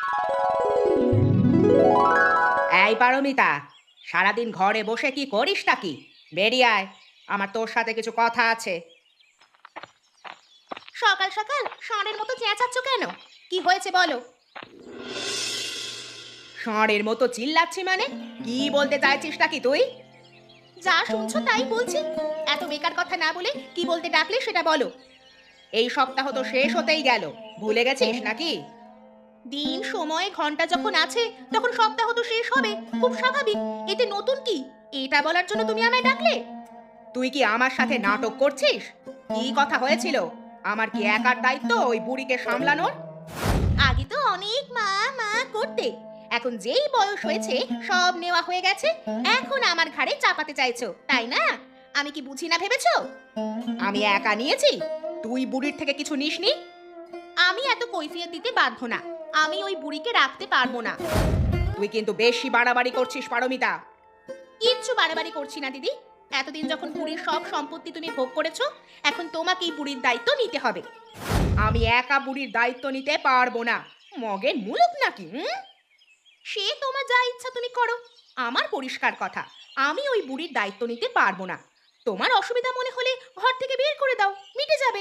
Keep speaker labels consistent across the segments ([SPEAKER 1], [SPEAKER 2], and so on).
[SPEAKER 1] এই পারমিতা, সারাদিন ঘরে বসে কি করিস নাকি? বেরিয়ে আয়, আমার তোর সাথে কিছু কথা আছে। সকাল সকাল ষাঁড়ের মতো চেঁচাচ্ছ কেন? কি হয়েছে বলো? ষাঁড়ের মতো চিল্লাচ্ছি মানে? কি বলতে চাইছিস নাকি তুই? যা শুনছো তাই বলছি। এত বেকার কথা না বলে কি বলতে ডাকলে সেটা বলো। এই সপ্তাহ তো শেষ হতেই গেল, ভুলে গেছিস নাকি? দিন সময় ঘন্টা যখন আছে তখন সপ্তাহ তো শেষ হবে, খুব স্বাভাবিক। এতে নতুন কি? এটা বলার জন্য তুমি আমায় ডাকলে? তুই কি আমার সাথে নাটক করছিস? কি কথা হয়েছিল? আমার কি একার দায়িত্ব ওই বুড়িকে সামলানোর? আগে তো অনেক মা মা করতে, এখন যেই বয়স হয়েছে সব নেওয়া হয়ে গেছে, এখন আমার ঘাড়ে চাপাতে চাইছো তাই না? আমি কি বুঝি না ভেবেছো? আমি একা নিয়েছি, তুই বুড়ির থেকে কিছু নিসনি। আমি এত কৈফিয়ত দিতে বাধ্য না, আমি ওই বুড়িকে রাখতে পারবো না। তুই কিন্তু বেশি বাড়াবাড়ি করছিস পারমিতা। কিচ্ছু বাড়াবাড়ি করছি না দিদি। এতদিন যখন বুড়ির সব সম্পত্তি তুমি ভোগ করেছো, এখন তোমাকেই বুড়ির দায়িত্ব নিতে হবে। আমি একা বুড়ির দায়িত্ব নিতে পারবো না। মগের মুলুক নাকি? সে তোমার যা ইচ্ছা তুমি করো, আমার পরিষ্কার কথা, আমি ওই বুড়ির দায়িত্ব নিতে পারবো না। তোমার অসুবিধা মনে হলে ঘর থেকে বের করে দাও, মিটে যাবে।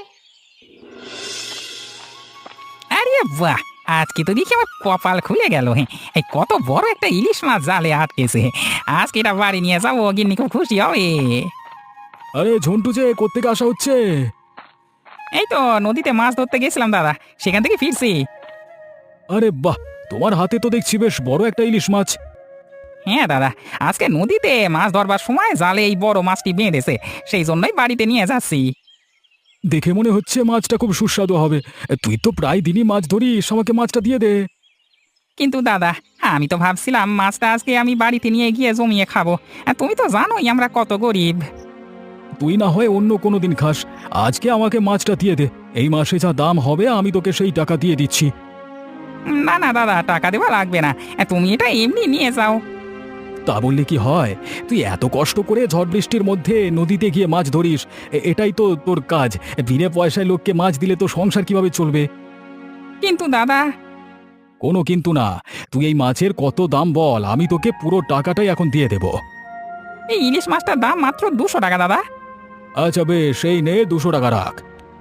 [SPEAKER 2] আরে বাহ! আজকে তো দেখি আমার কপাল খুলে গেল। এই কত বড় একটা ইলিশ মাছ জালে আটকেছে। আজকে এটা বাড়ি নিয়ে যাবো, গিন্নি খুব খুশি হবে।
[SPEAKER 3] আরে ঝন্টু যে কোত্থেকে আসা হচ্ছে?
[SPEAKER 2] এই তো নদীতে মাছ ধরতে গেছিলাম দাদা, সেখান থেকে ফিরছি।
[SPEAKER 3] আরে বাহ, তোমার হাতে তো দেখছি বেশ বড় একটা ইলিশ মাছ।
[SPEAKER 2] হ্যাঁ দাদা, আজকে নদীতে মাছ ধরবার সময় জালে এই বড় মাছটি বেঁধেছে, সেই জন্যই বাড়িতে নিয়ে যাচ্ছি।
[SPEAKER 3] দেখে মনে হচ্ছে মাছটা খুব সুস্বাদু হবে। তুই তো প্রায় দিনই মাছ ধরিস, আমাকে মাছটা দিয়ে দে।
[SPEAKER 2] কিন্তু দাদা, আমি তো ভাবছিলাম মাছটা আজকে আমি বাড়িতে নিয়ে গিয়ে জমিয়ে খাবো। আর তুমি তো জানোই আমরা কত গরিব।
[SPEAKER 3] তুই না হয় অন্য কোনো দিন খাস, আজকে আমাকে মাছটা দিয়ে দে। এই মাসে যা দাম হবে আমি তোকে সেই টাকা দিয়ে দিচ্ছি।
[SPEAKER 2] না না দাদা, টাকা দেওয়া লাগবে না, তুমি এটা এমনি নিয়ে যাও।
[SPEAKER 3] তা বললে কি হয়? তুই এত কষ্ট করে ঝড় বৃষ্টির মধ্যে নদীতে গিয়ে মাছ ধরিস, এটাই তো তোর কাজ। বিনা পয়সায় লোককে মাছ দিলে তো সংসার কিভাবে চলবে?
[SPEAKER 2] কিন্তু দাদা।
[SPEAKER 3] কোনো কিন্তু না। তুই এই মাছের কত দাম বল, আমি তোকে পুরো টাকাটাই এখন দিয়ে দেব।
[SPEAKER 2] এই ইলিশ মাছটার দাম মাত্র 200 টাকা দাদা।
[SPEAKER 3] আচ্ছা বেশ, সেই নে 200 টাকা রাখ।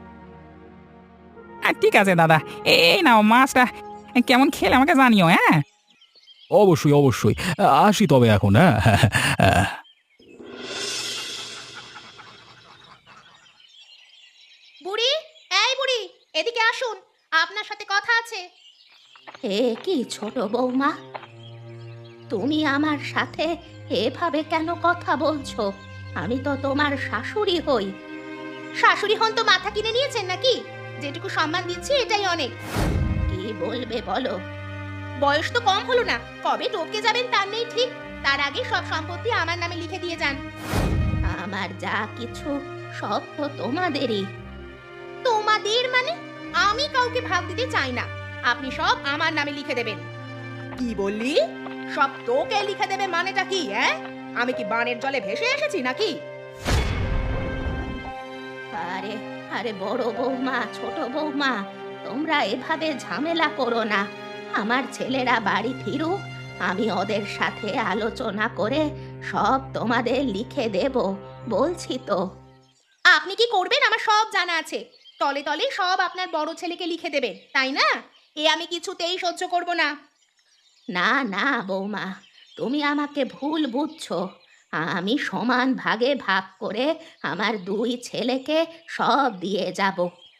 [SPEAKER 2] ঠিক আছে দাদা, এই নাও মাছটা, কেমন খেলে আমাকে জানিও, হ্যাঁ?
[SPEAKER 3] অবশ্যই অবশ্যই। আসি তবে এখন, হ্যাঁ।
[SPEAKER 1] বুড়ি, এই বুড়ি, এদিকে আসুন, আপনার সাথে কথা আছে। এ কি ছোট বৌমা, তুমি আমার সাথে এভাবে কেন কথা বলছো? আমি তো তোমার শাশুড়ি হই। শাশুড়ি হন তো মাথা কিনে নিয়েছেন নাকি? যেটুকু সম্মান দিচ্ছি এটাই অনেক। কি বলবে বলো? বয়স তো কম হলো না, কবে টপকে যাবেন তার নেই ঠিক। তার আগে সব সম্পত্তি আমার নামে লিখে দিয়ে যান। আমার যা কিছু সব তো তোমাদেরই। তোমাদের মানে? আমি কাউকে ভাগ দিতে চাই না, আপনি সব আমার নামে লিখে দেবেন। কি বললি? সব তোকে লিখে দেবে মানেটা কি? আমি কি বানের জলে ভেসে এসেছি নাকি? আরে আরে বড় বৌমা, ছোট বৌমা, তোমরা এভাবে ঝামেলা করো না। আমার ছেলেরা বাড়ি ফিরুক, আমি ওদের সাথে আলোচনা করে সব তোমাদের লিখে দেব, বলছি তো। আপনি কি করবেন আমার সব জানা আছে। তলে তলে সব আপনার বড় ছেলেকে লিখে দেবেন, তাই না? এ আমি কিছুতেই সহ্য করব না। না না বৌমা, তুমি আমাকে ভুল বুঝছো। আমি সমান ভাগে ভাগ করে আমার দুই ছেলেকে সব দিয়ে যাব।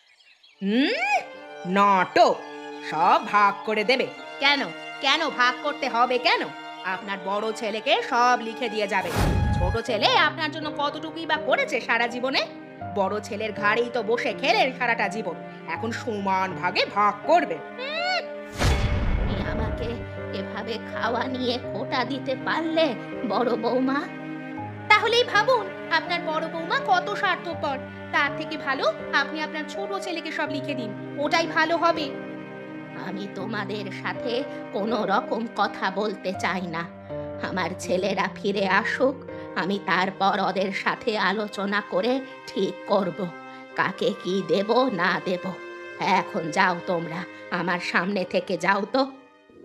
[SPEAKER 1] নাটক! সব ভাগ করে দেবে? কেন কেন ভাগ করতে হবে কেন? আপনার বড় ছেলেকে সব লিখে দিয়ে যাবে। ছোট ছেলে আপনার জন্য কতটুকুই বা করেছে সারা জীবনে? বড় ছেলের ঘাড়েই তো বসে খেলেন সারাটা জীবন, এখন সমান ভাগে ভাগ করবে। তুমি আমাকে এভাবে খাওয়া নিয়ে খোঁটা দিতে পারলে বড় বৌমা? তাহলেই ভাবুন আপনার বড় বৌমা কত স্বার্থপর। তার থেকে ভালো আপনি আপনার ছোট ছেলেকে সব লিখে দিন, ওটাই ভালো হবে। আমি তোমাদের সাথে কোনো রকম কথা বলতে চাই না। আমার ছেলেরা ফিরে আসুক, আমি তারপর ওদের সাথে আলোচনা করে ঠিক করব কাকে কি দেব না দেব। এখন যাও তোমরা, আমার সামনে থেকে যাও তো।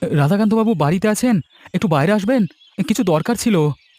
[SPEAKER 3] রাধাকান্ত বাবু বাড়িতে আছেন? একটু বাইরে আসবেন, কিছু দরকার ছিল।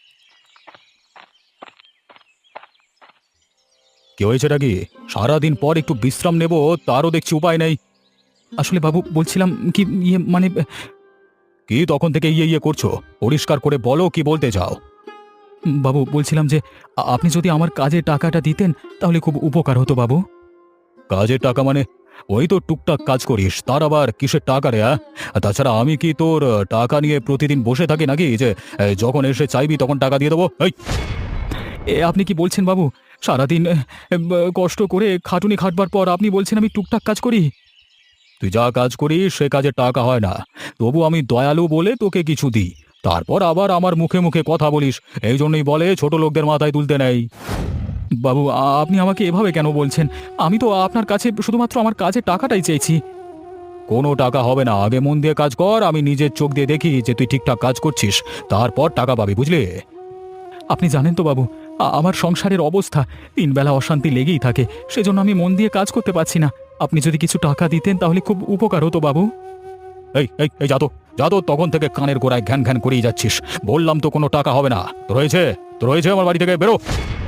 [SPEAKER 3] কি হয়েছে নাকি? সারাদিন পর একটু বিশ্রাম নেব, তারও দেখছি উপায় নেই। আসলে বাবু বলছিলাম কি, মানে কি তখন থেকে করছো? পরিষ্কার করে বলো কি বলতে চাও। বাবু বলছিলাম যে আপনি যদি আমার কাজে টাকাটা দিতেন তাহলে খুব উপকার হতো বাবু। কাজের টাকা মানে? ওই তো টুকটাক কাজ করিস, তার আবার কিসের টাকা রে? আর তাছাড়া আমি কি তোর টাকা নিয়ে প্রতিদিন বসে থাকি নাকি যে যখন এসে চাইবি তখন টাকা দিয়ে দেবো? এই আপনি কি বলছেন বাবু? সারাদিন কষ্ট করে খাটুনি খাটবার পর আপনি বলছেন আমি টুকটাক কাজ করি? তুই যা কাজ করিস সে কাজে টাকা হয় না, তবু আমি দয়ালু বলে তোকে কিছু দিই, তারপর আবার আমার মুখে মুখে কথা বলিস। এই জন্যই বলে ছোট লোকদের মাথায় তুলতে নেই। বাবু আপনি আমাকে এভাবে কেন বলছেন? আমি তো আপনার কাছে শুধুমাত্র আমার কাজের টাকাটাই চেয়েছি। কোনো টাকা হবে না, আগে মন দিয়ে কাজ কর, আমি নিজের চোখ দিয়ে দেখি যে তুই ঠিকঠাক কাজ করছিস, তারপর টাকা পাবি, বুঝলি? আপনি জানেন তো বাবু, আমার সংসারের অবস্থা, তিনবেলা অশান্তি লেগেই থাকে, সেজন্য আমি মন দিয়ে কাজ করতে পারছি না। আপনি যদি কিছু টাকা দিতেন তাহলে খুব উপকার হতো বাবু। এই এই এই যাতো তখন থেকে কানের গোড়ায় ঘ্যান ঘ্যান করেই যাচ্ছিস। বললাম তো কোনো টাকা হবে না। তো রয়েছে আমার বাড়ি থেকে বেরো।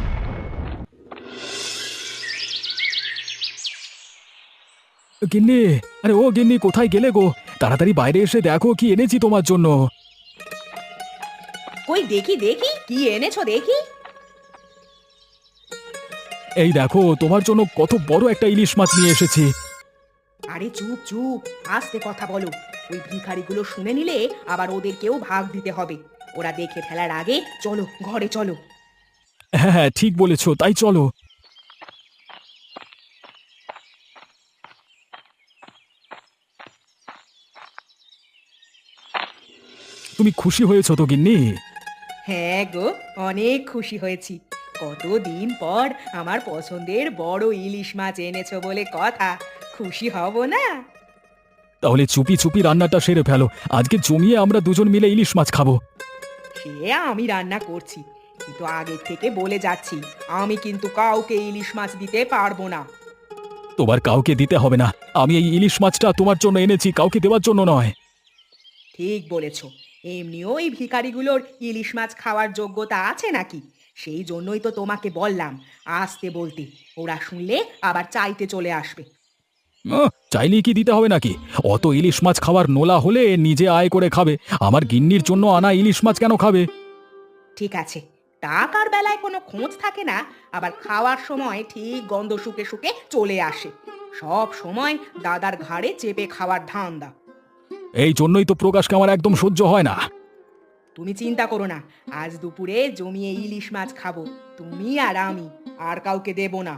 [SPEAKER 3] গিন্নি, আরে ও গিন্নি, কোথায় গেলে গো? তাড়াতাড়ি বাইরে এসে দেখো কি এনেছি তোমার জন্য।
[SPEAKER 1] কই দেখি দেখি কি এনেছো দেখি।
[SPEAKER 3] এই দেখো তোমার জন্য কত বড় একটা ইলিশ মাছ নিয়ে এসেছি।
[SPEAKER 1] আরে চুপ চুপ, আস্তে কথা বলো। ওই ভিখারিগুলো শুনে নিলে আবার ওদেরকেও ভাগ দিতে হবে। ওরা দেখে ফেলার আগে চলো ঘরে চলো।
[SPEAKER 3] হ্যাঁ হ্যাঁ ঠিক বলেছো, তাই চলো। তুমি খুশি হয়েছো তো গিন্নি?
[SPEAKER 1] হ্যাঁ গো, অনেক খুশি হয়েছি। কতদিন পর আমার পছন্দের বড় ইলিশ মাছ এনেছো বলে কথা, খুশি হব না?
[SPEAKER 3] তাহলে চুপি চুপি রান্নাটা সেরে ফেলো, আজকে জমিয়ে আমরা দুজন মিলে ইলিশ মাছ খাবো।
[SPEAKER 1] সে আমি রান্না করছি, কিন্তু আগের থেকে বলে যাচ্ছি আমি কিন্তু কাউকে ইলিশ মাছ দিতে পারবো না।
[SPEAKER 3] তোমার কাউকে দিতে হবে না, আমি এই ইলিশ মাছটা তোমার জন্য এনেছি, কাউকে দেওয়ার জন্য নয়।
[SPEAKER 1] ঠিক বলেছ, এমনিও এই ভিখারিগুলোর ইলিশ মাছ খাওয়ার যোগ্যতা আছে নাকি? সেই জন্যই তো তোমাকে বললাম আসতে বলতে, ওরা শুনলে আবার চাইতে চলে আসবে।
[SPEAKER 3] চাইলেই কি দিতে হবে নাকি? অত ইলিশ মাছ খাওয়ার নোলা হলে নিজে আয় করে খাবে, আমার গিন্নির জন্য আনা ইলিশ মাছ কেন খাবে?
[SPEAKER 1] ঠিক আছে, টাকার বেলায় কোনো খোঁজ থাকে না, আবার খাওয়ার সময় ঠিক গন্ধ শুকে শুকে চলে আসে। সব সময় দাদার ঘাড়ে চেপে খাওয়ার ধান্দা।
[SPEAKER 3] এই জন্যই তো প্রকাশকে আমার একদম সহ্য হয় না।
[SPEAKER 1] তুমি চিন্তা করো না, আজ দুপুরে জমিয়ে ইলিশ মাছ খাবো, তুমি আর আমি, আর কাউকে দেব না।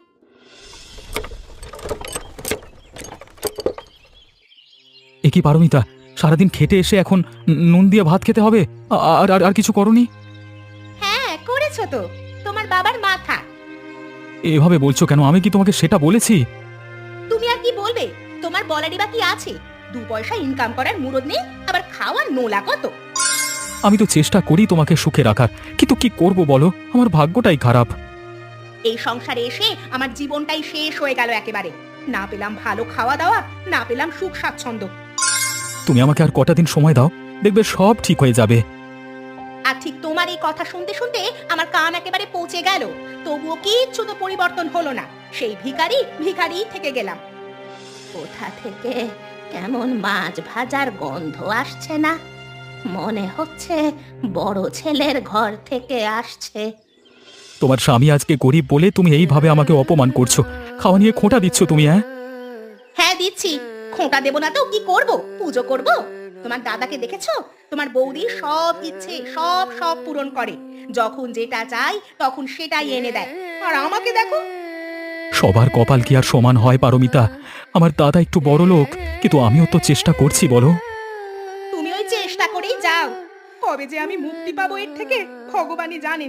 [SPEAKER 3] এ কি পারমিতা, সারাদিন খেটে এসে এখন নুন দিয়ে ভাত খেতে হবে? আর আর আর কিছু করনি?
[SPEAKER 1] হ্যাঁ করেছো তো, তোমার বাবার মাথা।
[SPEAKER 3] এভাবে বলছো কেন? আমি কি তোমাকে সেটা বলেছি?
[SPEAKER 1] তুমি আর কি বলবে? তোমার বলারই বা কি আছে? 2 পয়সা ইনকাম করার মুরদ নেই, আবার খাওয়ার নোলা কত।
[SPEAKER 3] আমি তো চেষ্টা করি তোমাকে সুখে রাখার, কিন্তু কি করব বলো, আমার ভাগ্যটাই খারাপ।
[SPEAKER 1] এই সংসারে এসে আমার জীবনটাই শেষ হয়ে গেল একেবারে। না পেলাম ভালো খাওয়া দাওয়া, না পেলাম সুখ স্বাচ্ছন্দ্য।
[SPEAKER 3] তুমি আমাকে আর কটা দিন সময় দাও, দেখবে সব ঠিক হয়ে যাবে।
[SPEAKER 1] আর ঠিক তোমার এই কথা শুনতে শুনতে আমার কান একেবারে পৌঁছে গেল, তবুও কিচ্ছু তো পরিবর্তন হলো না। সেই ভিখারি ভিখারি থেকে গেলাম। কোথা থেকে কেমন মাছ ভাজার গন্ধ আসছে না? মনে হচ্ছে বড় ছেলের ঘর থেকে আসছে।
[SPEAKER 3] তোমার স্বামী আজকে গরিব বলে তুমি এইভাবে আমাকে অপমান করছো, খাওয়া নিয়ে খোঁটা দিচ্ছ তুমি।
[SPEAKER 1] হ্যাঁ দিচ্ছি, খোঁটা দেব না তো কি করব? পুজো করব? তোমার দাদাকে দেখেছো? তোমার বৌদি সব ইচ্ছে সব সব পূরণ করে, যখন যেটা চাই তখন সেটাই এনে দেয়। আর আমাকে দেখো।
[SPEAKER 3] সবার কপাল কি আর সমান হয় পারমিতা? আমার দাদা একটু বড় লোক, কিন্তু আমিও তো চেষ্টা করছি বলো।
[SPEAKER 1] তুমি ওই চেষ্টা করেই যাও, কবে যে আমি মুক্তি পাবো এর থেকে ভগবানই জানেন।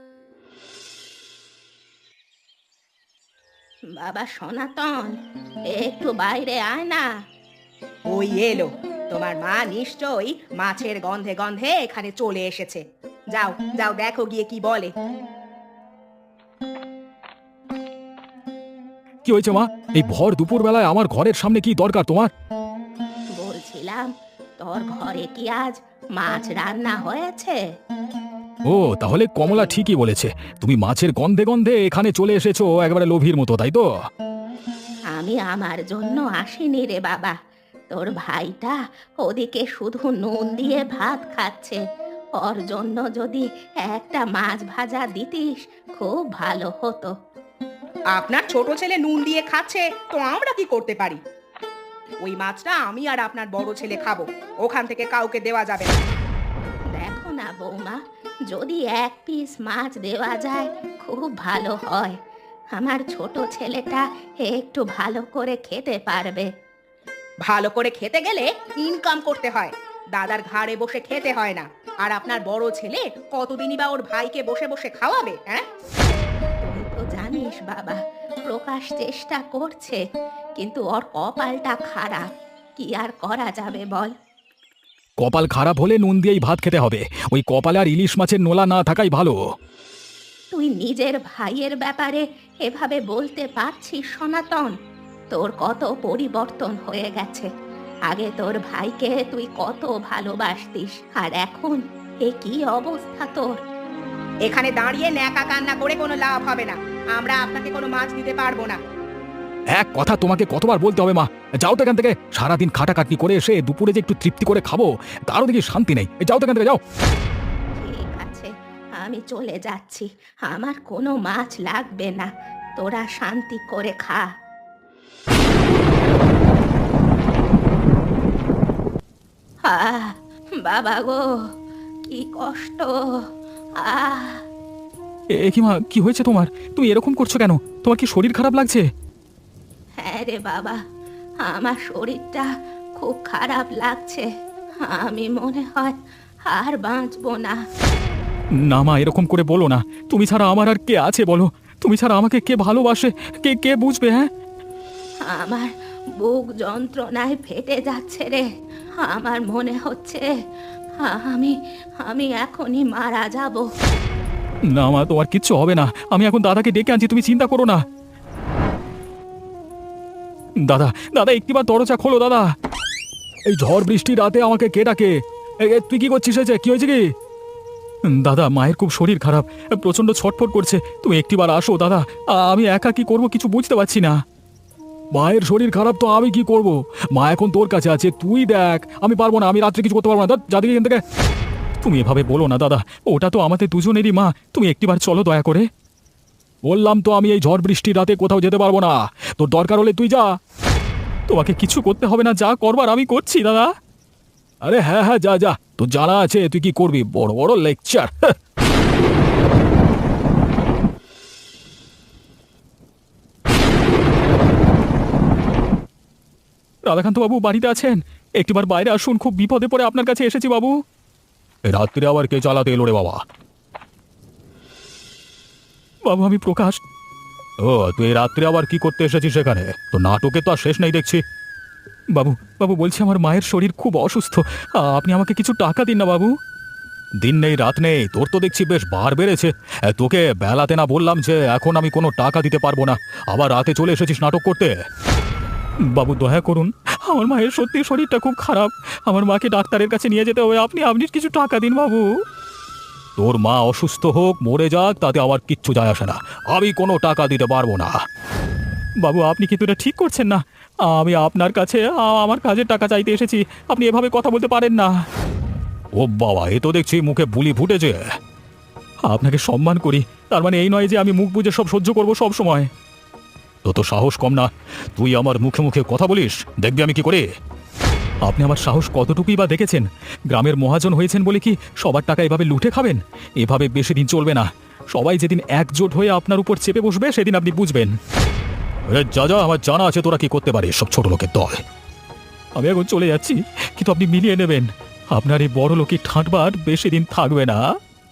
[SPEAKER 1] বাবা সনাতন, একটু বাইরে আয় না। ওই এলো, তোমার মা নিশ্চয়ই মাছের গন্ধে গন্ধে এখানে চলে এসেছে। যাও যাও দেখো গিয়ে কি বলে।
[SPEAKER 3] কি হয়েছে মা? এই ভর দুপুর বেলায় আমার ঘরের সামনে কি দরকার তোমার?
[SPEAKER 1] বলছিলাম তোর ঘরে কি আজ মাছ রান্না হয়েছে?
[SPEAKER 3] ও তাহলে কমলা ঠিকই বলেছে, তুমি মাছের গন্ধে গন্ধে এখানে চলে এসেছো একেবারে লোভীর মতো, তাই তো?
[SPEAKER 1] আমি আমার জন্য আসিনি রে বাবা, তোর ভাইটা ওদিকে শুধু নুন দিয়ে ভাত খাচ্ছে, ওর জন্য যদি একটা মাছ ভাজা দিতিস খুব ভালো হতো। আপনার ছোট ছেলে নুন দিয়ে খাচ্ছে তো আমরা কি করতে পারি? ওই মাছটা আমি আর আপনার বড় ছেলে খাবো, ওখান থেকে কাউকে দেওয়া যাবে না। দেখো না বৌমা, যদি এক পিস মাছ দেওয়া যায় খুব ভালো হয়, আমার ছোট ছেলেটা একটু ভালো করে খেতে পারবে। ভালো করে খেতে গেলে ইনকাম করতে হয়, দাদার ঘাড়ে বসে খেতে হয় না। আর আপনার বড় ছেলে কতদিনই বা ওর ভাইকে বসে বসে খাওয়াবে? হ্যাঁ, তুই তো জানিস বাবা, প্রকাশ চেষ্টা করছে, কিন্তু ওর কপালটা খারাপ, কি আর করা যাবে বল?
[SPEAKER 3] কপাল খারাপ হলে নুন দিয়েই ভাত খেতে হবে, ওই কপালে আর ইলিশ মাছের নোলা না থাকাই ভালো।
[SPEAKER 1] তুই নিজের ভাইয়ের ব্যাপারে এভাবে বলতে পারছিস সনাতন? তোর কত পরিবর্তন হয়ে গেছে, আগে তোর ভাইকে তুই কত ভালোবাসতিস, আর এখন এ কি অবস্থা তোর? এখানে দাঁড়িয়ে ন্যাকা কান্না করে কোনো লাভ হবে না, আমরা আপনাকে কোনো মাছ দিতে পারবো না।
[SPEAKER 3] এক কথা তোমাকে কতবার বলতে হবে মা, যাও তো এখান থেকে। সারাদিন খাটাখাটনি করে এসে দুপুরে যে একটু তৃপ্তি করে খাবো তারও দেখি শান্তি নেই, যাও তো এখান থেকে, যাও।
[SPEAKER 1] ঠিক আছে, আমি চলে যাচ্ছি, আমার কোনো মাছ লাগবে না, তোরা শান্তি করে খা। আহ বাবা গো, কি কষ্ট! আহ
[SPEAKER 3] এ কি মা, কি হয়েছে তোমার? তুমি এরকম করছো কেন? তোমার কি শরীর খারাপ লাগছে?
[SPEAKER 1] হ্যাঁ রে বাবা, আমার শরীরটা খুব খারাপ লাগছে, আমি মনে হয় আর বাঁচবো না।
[SPEAKER 3] না মা, এরকম করে বলো না, তুমি ছাড়া আমার আর কে আছে বলো? তুমি ছাড়া আমাকে কে ভালোবাসে, কে কে বুঝবে? হ্যাঁ,
[SPEAKER 1] আমার বুক যন্ত্রণায় ফেটে যাচ্ছে রে, আমার মনে হচ্ছে আমি আমি এখনই মারা যাব।
[SPEAKER 3] না মা, তোমার কিচ্ছু হবে না, আমি এখন দাদাকে ডেকে আনছি, তুমি চিন্তা করো না। দাদা, দাদা একটিবার দরজা খোলো দাদা। এই ঝড় বৃষ্টি রাতে আমাকে কে ডাকে? তুই কি করছিস? হয়েছে কি, হয়েছে কি? দাদা, মায়ের খুব শরীর খারাপ, প্রচন্ড ছটফট করছে, তুমি একটিবার আসো দাদা। আমি একা কি করব কিছু বুঝতে পারছি না। মায়ের শরীর খারাপ তো আমি কি করব? মা এখন তোর কাছে আছে, তুই দেখ। আমি পারবো না, আমি রাত্রে কিছু করতে পারবো না, যাদিকে এখান থেকে। তুমি এভাবে বলো না দাদা, ওটা তো আমাদের দুজনেরই মা, তুমি একটিবার চলো দয়া করে। বললাম তো আমি এই ঝড় বৃষ্টির রাতে কোথাও যেতে পারবো না, তোর দরকার হলে তুই যা। তোমাকে কিছু করতে হবে না, যা করবার আমি করছি দাদা। আরে হ্যাঁ হ্যাঁ, যা যা, তোর জানা আছে তুই কি করবি, বড় বড় লেকচার। রাধাকান্ত বাবু বাড়িতে আছেন? একটিবার বাইরে আসুন, খুব বিপদে পড়ে আপনার কাছে এসেছি বাবু। রাত্রে আবার কে চালাতে এলো রে বাবা? বাবু, আমি প্রকাশ। ও, তুই রাত্রে আবার কি করতে এসেছিস সেখানে? তো নাটকে তো আর শেষ নেই দেখছি। বাবু, বাবু বলছি আমার মায়ের শরীর খুব অসুস্থ, আপনি আমাকে কিছু টাকা দিন না বাবু। দিন নেই রাত নেই, তোর তো দেখছি বেশ বার বেড়েছে। তোকে বেলাতে না বললাম যে এখন আমি কোনো টাকা দিতে পারবো না, আবার রাতে চলে এসেছিস নাটক করতে? বাবু দয়া করুন, আমার মায়ের সত্যি শরীরটা খুব খারাপ, আমার মাকে ডাক্তারের কাছে নিয়ে যেতে হবে, আপনি আপনি কিছু টাকা দিন বাবু। তোর মা অসুস্থ হোক মরে যাক তাতে আমার কিচ্ছু যায় আসে না, আমি কোনো টাকা দিতে পারবো না। বাবু, আপনি কিন্তু এটা ঠিক করছেন না, আমি আপনার কাছে আমার কাজের টাকা চাইতে এসেছি, আপনি এভাবে কথা বলতে পারেন না। ও বাবা, এ তো দেখছি মুখে বুলি ফুটেছে। আপনাকে সম্মান করি, তার মানে এই নয় যে আমি মুখ বুজে সব সহ্য করব সব সময়। তো সাহস কম না, তুই আমার মুখে মুখে কথা বলিস, দেখবি আমি কি করে। আপনি আমার সাহস কতটুকুই বা দেখেছেন? গ্রামের মহাজন হয়েছেন বলে কি সবার টাকা এভাবে লুটে খাবেন? এভাবে বেশি দিন চলবে না, সবাই যেদিন একজোট হয়ে আপনার উপর চেপে বসবে সেদিন আপনি বুঝবেন। যা যা, আমার জানা আছে তোরা কি করতে পারিস, সব ছোট লোকের দল। আমি এখন চলে যাচ্ছি, কিন্তু আপনি মিলিয়ে নেবেন, আপনার এই বড় লোকের ঠাঁটবার বেশি দিন থাকবে না।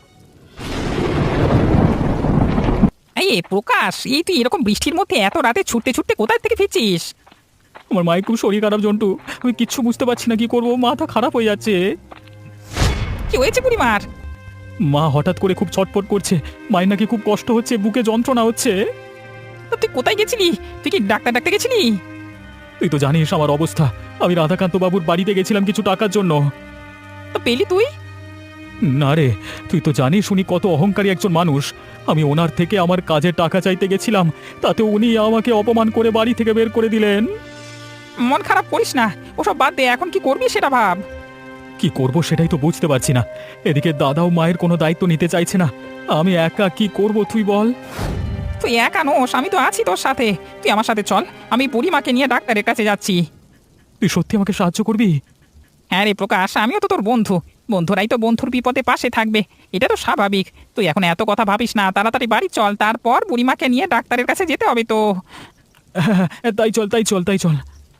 [SPEAKER 2] এই প্রকাশ, এই তুই এরকম বৃষ্টির মধ্যে এত রাতে ছুটতে ছুটতে কোথায় থেকে ফিরছিস?
[SPEAKER 3] আমার মায়ের খুব শরীর খারাপ জন্টু, আমি কিচ্ছু বুঝতে পারছি না কি করবো, মাথা খারাপ হয়ে যাচ্ছে।
[SPEAKER 2] কি হয়েছে বুড়িমার?
[SPEAKER 3] মা হঠাৎ করে খুব ছটফট করছে, মায়ের নাকি খুব কষ্ট হচ্ছে, বুকে যন্ত্রণা হচ্ছে।
[SPEAKER 2] তুই কোথায় গেছিলি? তুই কি ডাক্তার ডাকতে গেছিলি?
[SPEAKER 3] তুই তো জানিস আমার অবস্থা। আমি রাধাকান্ত বাবুর বাড়িতে গেছিলাম কিছু টাকার জন্য।
[SPEAKER 2] তো পেলি তুই?
[SPEAKER 3] না রে, তুই তো জানিস উনি কত অহংকারী একজন মানুষ। আমি ওনার থেকে আমার কাজের টাকা চাইতে গেছিলাম, তাতে উনি আমাকে অপমান করে বাড়ি থেকে বের করে দিলেন।
[SPEAKER 2] মন খারাপ করিস না, ওসব বাদ দে, এখন কি করবি সেটা ভাব।
[SPEAKER 3] কি করব সেটাই তো বুঝতে পারছি না। এদিকে দাদাও মায়ের কোনো দায়িত্ব নিতে চাইছে না। আমি একা কি করব তুই বল।
[SPEAKER 2] তুই একা নোস, আমি তো আছি তোর সাথে। তুই আমার সাথে চল, আমি বুড়িমাকে নিয়ে ডাক্তারের কাছে যাচ্ছি।
[SPEAKER 3] তুই সত্যি আমাকে সাহায্য করবি?
[SPEAKER 2] হ্যাঁ রে প্রকাশ, আমিও তো তোর বন্ধু, বন্ধুরাই তো বন্ধুর বিপদে পাশে থাকবে, এটা তো স্বাভাবিক। তুই এখন এত কথা ভাবিস না, তাড়াতাড়ি বাড়ি চল, তারপর বুড়িমাকে নিয়ে ডাক্তারের কাছে যেতে হবে তো।
[SPEAKER 3] তাই চল তাই চল তাই চল।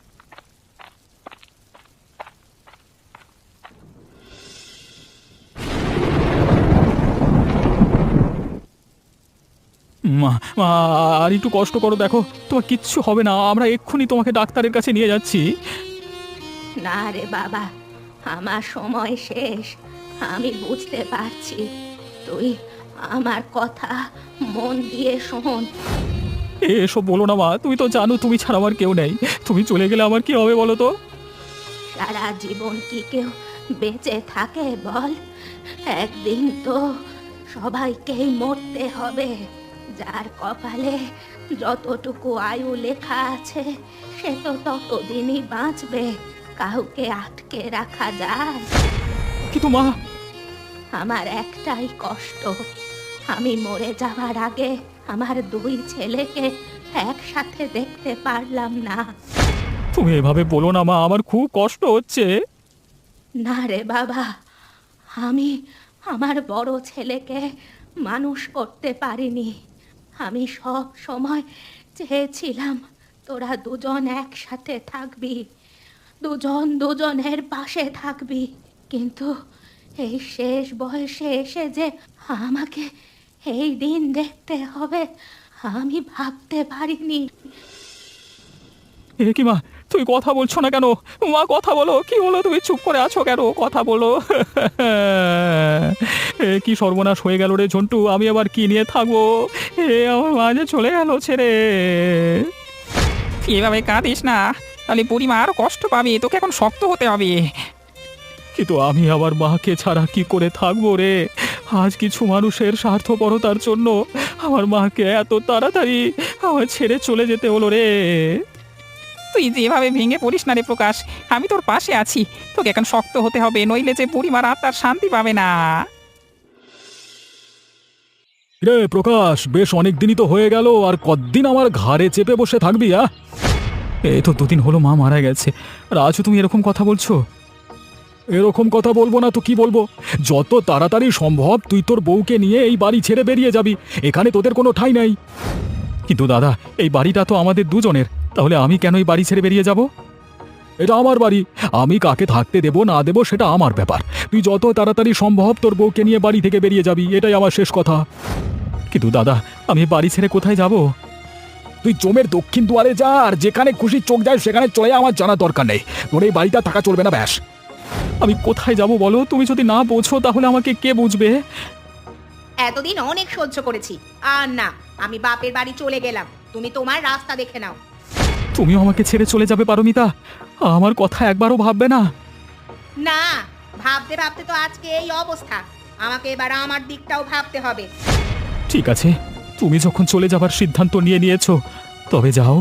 [SPEAKER 3] মা মা, আর একটু কষ্ট করো, দেখো তোমার কিচ্ছু হবে না। আমরা এক্ষুনি তোমাকে ডাক্তারের কাছে নিয়ে যাচ্ছি।
[SPEAKER 1] না রে বাবা, আমার সময় শেষ। আমি বুঝতে পারছি, তুই আমার কথা মন দিয়ে শোন।
[SPEAKER 3] এসব বলো না মা, তুমি তো জানো তুমি ছাড়া আমার কেউ নেই। তুমি চলে গেলে আমার কি হবে বলো তো?
[SPEAKER 1] সারা জীবন কি কেউ বেঁচে থাকে বল? একদিন তো সবাইকেই মরতে হবে। যার কপালে যতটুকু আয়ু লেখা আছে সে তো ততদিনই বাঁচবে। কাউকে আটকে রাখা যায়?
[SPEAKER 3] কিন্তু মা,
[SPEAKER 1] আমার একটাই কষ্ট, আমি মরে যাওয়ার আগে আমার দুই ছেলেকে একসাথে দেখতে পারলাম না।
[SPEAKER 3] তুমি এভাবে বলো না মা, আমার খুব কষ্ট হচ্ছে।
[SPEAKER 1] না রে বাবা, আমি আমার বড় ছেলেকে মানুষ করতে পারিনি। আমি সব সময় চেয়েছিলাম তোরা দুজন একসাথে থাকবি, দুজন দুজনের পাশে থাকবি। কিন্তু এই শেষ বয়সে এসে যে আমাকে এই দিন দেখতে হবে আমি ভাবতে পারিনি।
[SPEAKER 3] এ কি মা, তুমি কথা বলছো না কেন? মা কথা বলো, কি হলো? তুমি চুপ করে আছো কেন? কথা বলো। এ কি সর্বনাশ হয়ে গেল রে ঝন্টু, আমি আবার কি নিয়ে থাকবো? আমার মা যে চলে গেল ছেড়ে।
[SPEAKER 2] তুই এভাবে কাঁদিস না, তাহলে বুড়িমা আরো কষ্ট পাবে, তোকে এখন শক্ত হতে হবে।
[SPEAKER 3] কিন্তু আমি আমার মাকে ছাড়া কি করে থাকবো রে? আজ কিছু মানুষের স্বার্থপরতার জন্য আমার মাকে এত তাড়াতাড়ি আমার ছেড়ে চলে যেতে হলো রে।
[SPEAKER 2] তুই যেভাবে ভেঙে পড়িস না রে প্রকাশ, আমি তোর পাশে আছি। তোকে এখন শক্ত হতে হবে, নইলে যে বুড়িমার আত্মার শান্তি পাবে না।
[SPEAKER 3] রে প্রকাশ, বেশ অনেক দিনই তো হয়ে গেল, আর কতদিন আমার ঘাড়ে চেপে বসে থাকবি? এই তো দুদিন হলো মা মারা গেছে, আর আজও তুমি এরকম কথা বলছো? এরকম কথা বলবো না তো কি বলবো? যত তাড়াতাড়ি সম্ভব তুই তোর বউকে নিয়ে এই বাড়ি ছেড়ে বেরিয়ে যাবি, এখানে তোদের কোনো ঠাঁই নাই। কিন্তু দাদা, এই বাড়িটা তো আমাদের দুজনের, তাহলে আমি কেন এই বাড়ি ছেড়ে বেরিয়ে যাব? এটা আমার বাড়ি, আমি কাকে থাকতে দেব না দেব সেটা আমার ব্যাপার। তুই যত তাড়াতাড়ি সম্ভব তোর বউকে নিয়ে বাড়ি থেকে বেরিয়ে যাবি, এটাই আমার শেষ কথা। কিন্তু দাদা, আমি বাড়ি ছেড়ে কোথায় যাব? তুই জমের দক্ষিণ দুয়ারে যা, আর যেখানে খুশি চোখ যায় সেখানে চলে যা, আমার জানার দরকার নেই। তোর এই বাড়িটা থাকা চলবে না, ব্যাস। আমি কোথায় যাব বলো? তুমি যদি না বোঝো তাহলে আমাকে কে বুঝবে?
[SPEAKER 1] এতদিন অনেক সহ্য করেছি, আর না, আমি বাপের বাড়ি চলে গেলাম। তুমি তোমার রাস্তা দেখে নাও।
[SPEAKER 3] তুমিও আমাকে ছেড়ে চলে যাবে পারমিতা? আমার কথা একবারও ভাববে না?
[SPEAKER 1] না, ভাবতে ভাবতে তো আজকে এই অবস্থা। আমাকে এবার আমার দিকটাও ভাবতে হবে।
[SPEAKER 3] ঠিক আছে, তুমি যখন চলে যাবার সিদ্ধান্ত নিয়ে নিয়েছো, তবে যাও।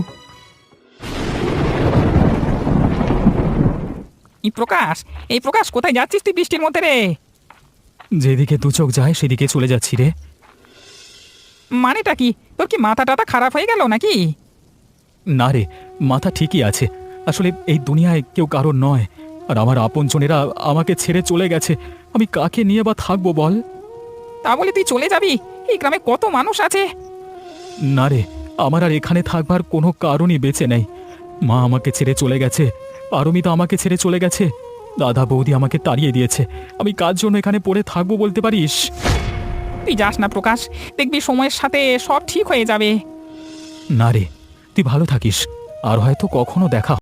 [SPEAKER 2] এই প্রকাশ কোথায় যাচ্ছিস তুই বৃষ্টির মধ্যে রে?
[SPEAKER 3] যেদিকে দু চোখ যায় সেদিকে চলে যাচ্ছি রে।
[SPEAKER 2] মানেটা কি? তোর কি মাথা টাথা খারাপ হয়ে গেল নাকি?
[SPEAKER 3] না রে, মাথা ঠিকই আছে। আসলে এই দুনিয়ায় কেউ কারোর নয়, আর আমার আপনজনেরা আমাকে ছেড়ে চলে গেছে। আমি কাকে নিয়ে বা থাকবো বল?
[SPEAKER 2] তা বলে তুই চলে যাবি? এই গ্রামে কত মানুষ আছে।
[SPEAKER 3] না রে, আমার আর এখানে থাকবার কোনো কারণই বেঁচে নেই। মা আমাকে ছেড়ে চলে গেছে, পারমিতা আমাকে ছেড়ে চলে গেছে, দাদা বৌদি আমাকে তাড়িয়ে দিয়েছে। আমি কার জন্য এখানে পড়ে থাকবো বলতে পারিস?
[SPEAKER 2] তুই যাস না প্রকাশ, দেখবি সময়ের সাথে সব ঠিক হয়ে যাবে।
[SPEAKER 3] না রে, তুই ভালো থাকিস, আর হয়তো কখনো দেখা